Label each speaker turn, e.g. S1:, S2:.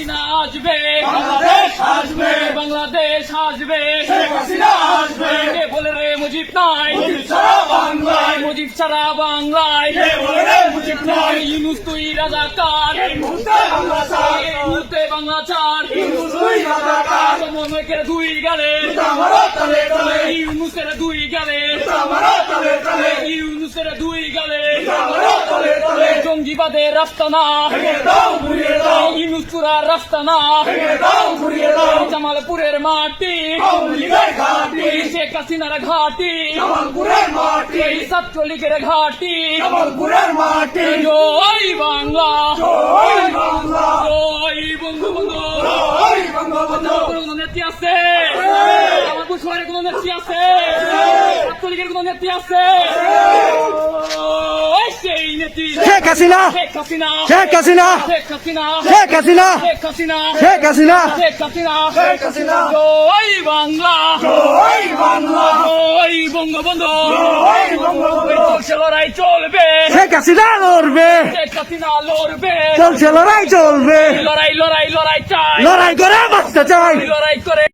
S1: হাসিনা আসবে,
S2: বাংলাদেশ আসবে,
S1: বাংলাদেশ আসবে,
S2: শেখ হাসিনা আসবে,
S1: কে বলে রে মুজিব নাই,
S2: মুজিব ছাড়া বাংলায়,
S1: মুজিব ছাড়া বাংলায়,
S2: কে বলে রে মুজিব নাই,
S1: ইউনূস তুই রাজাকার,
S2: এই মুহূর্তে বাংলা ছাড়,
S1: এই মুহূর্তে বাংলা ছাড়,
S2: ইউনূস তুই রাজাকার,
S1: সমন্বয়কের দুই গালে,
S2: আমারও তলে তলে,
S1: ইউনূসের দুই গালে,
S2: আমারও তলে তলে,
S1: ইউনূসের দুই গালে,
S2: আমারও তলে তলে,
S1: জঙ্গিবাদের রাস্তানা,
S2: ভেঙে দাও ঘুরিয়ে দাও,
S1: ইউনূস চূড়ার রাস্তানা,
S2: ভেঙে দাও ঘুরিয়ে দাও,
S1: জামালপুরের মাটি,
S2: আওয়ামী লীগের ঘাঁটি,
S1: শেখ হাসিনার ঘাটি,
S2: জামালপুরের মাটি,
S1: ছাত্রলীগের ঘাটি,
S2: জামালপুরের মাটি,
S1: জয় বাংলা,
S2: জয় বাংলা,
S1: জয় বঙ্গবন্ধু।
S2: জয় বঙ্গবন্ধু,
S1: কোনো নেত্রী আছে? আমার শহরে কোনো নেত্রী আছে? ছাত্রলীগের কোনো নেত্রী আছে? ওই সেই নেত্রী
S3: শেখ হাসিনা,
S1: শেখ হাসিনা,
S3: শেখ হাসিনা,
S1: শেখ হাসিনা,
S3: শেখ হাসিনা,
S1: শেখ হাসিনা,
S3: শেখ হাসিনা,
S1: শেখ হাসিনা,
S2: শেখ হাসিনা,
S1: জয় বাংলা,
S2: জয় বাংলা,
S1: জয় বঙ্গবন্ধু।
S2: জয় বঙ্গবন্ধু,
S1: চলছে লড়াই চলবে,
S3: শেখ হাসিনা লড়বে,
S1: শেখ হাসিনা লড়বে,
S3: চলছে লড়াই চলবে,
S1: লড়াই লড়াই লড়াই চাই,
S3: লড়াই করে বাঁচতে চাই।
S1: লড়াই করে